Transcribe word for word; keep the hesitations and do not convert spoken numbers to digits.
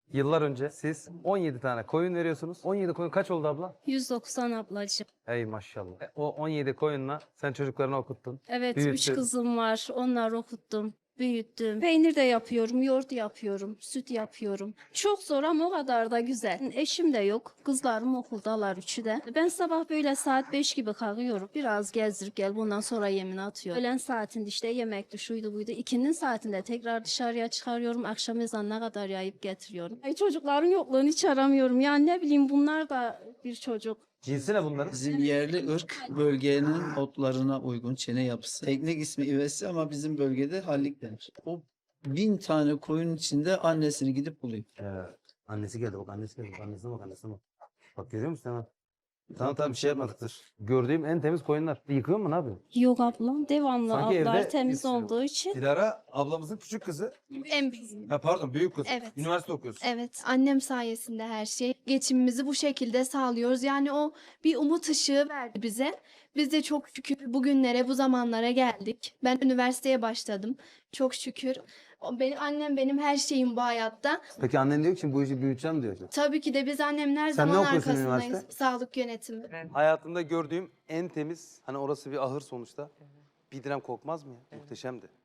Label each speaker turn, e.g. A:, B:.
A: Yıllar önce siz on yedi tane koyun veriyorsunuz. on yedi koyun kaç oldu abla?
B: yüz doksan ablacığım.
A: Ey maşallah. E, O on yedi koyunla sen çocuklarını okuttun.
B: Evet, üç
A: büyüttün.
B: kızım var. Onları okuttum, büyüttüm. Peynir de yapıyorum, yoğurt yapıyorum, süt yapıyorum. Çok zor ama o kadar da güzel. Eşim de yok. Kızlarım okuldalar üçü de. Ben sabah böyle saat beş gibi kalkıyorum. Biraz gezdirip gel bundan sonra yemini atıyorum. Öğlen saatinde işte yemekti, şuydu buydu. İkinin saatinde tekrar dışarıya çıkarıyorum. Akşam ezanına kadar yayıp getiriyorum. Ay çocukların yokluğunu hiç aramıyorum. Yani ne bileyim bunlar da bir çocuk.
A: Cinsi ne bunların?
C: Bizim yerli ırk bölgenin otlarına uygun çene yapısı. Teknik ismi ivesi ama bizim bölgede hallik denir. O bin tane koyun içinde annesini gidip buluyor.
A: Evet. Annesi geldi bak annesi geldi. Bak, Annesine bak annesine bak. Bak görüyor musun hemen? Tamam tamam bir şey yapmadıktır. Gördüğüm en temiz koyunlar. Yıkıyor mu ne yapıyorsun?
B: Yok ablam devamlı
A: Sanki evde
B: altlar temiz
A: biz-
B: olduğu için.
A: Dilara ablamızın küçük kızı.
D: En büyük.
A: Ha pardon büyük kız.
D: Evet.
A: Üniversite okuyorsun.
D: Evet, annem sayesinde her şey. Geçimimizi bu şekilde sağlıyoruz. Yani o bir umut ışığı verdi bize. Biz de çok şükür bugünlere, bu zamanlara geldik. Ben üniversiteye başladım. Çok şükür. O benim annem benim her şeyim bu hayatta.
A: Peki annen diyor ki şimdi bu işi büyüteceğim diyor.
D: Tabii ki de biz annemler
A: Sen ne
D: zaman
A: okuyorsun
D: arkasındayız.
A: üniversite?
D: Sağlık yönetimi.
A: Hayatımda gördüğüm en temiz, hani orası bir ahır sonuçta. Bir dirhem kokmaz mı ya? Muhteşemdi.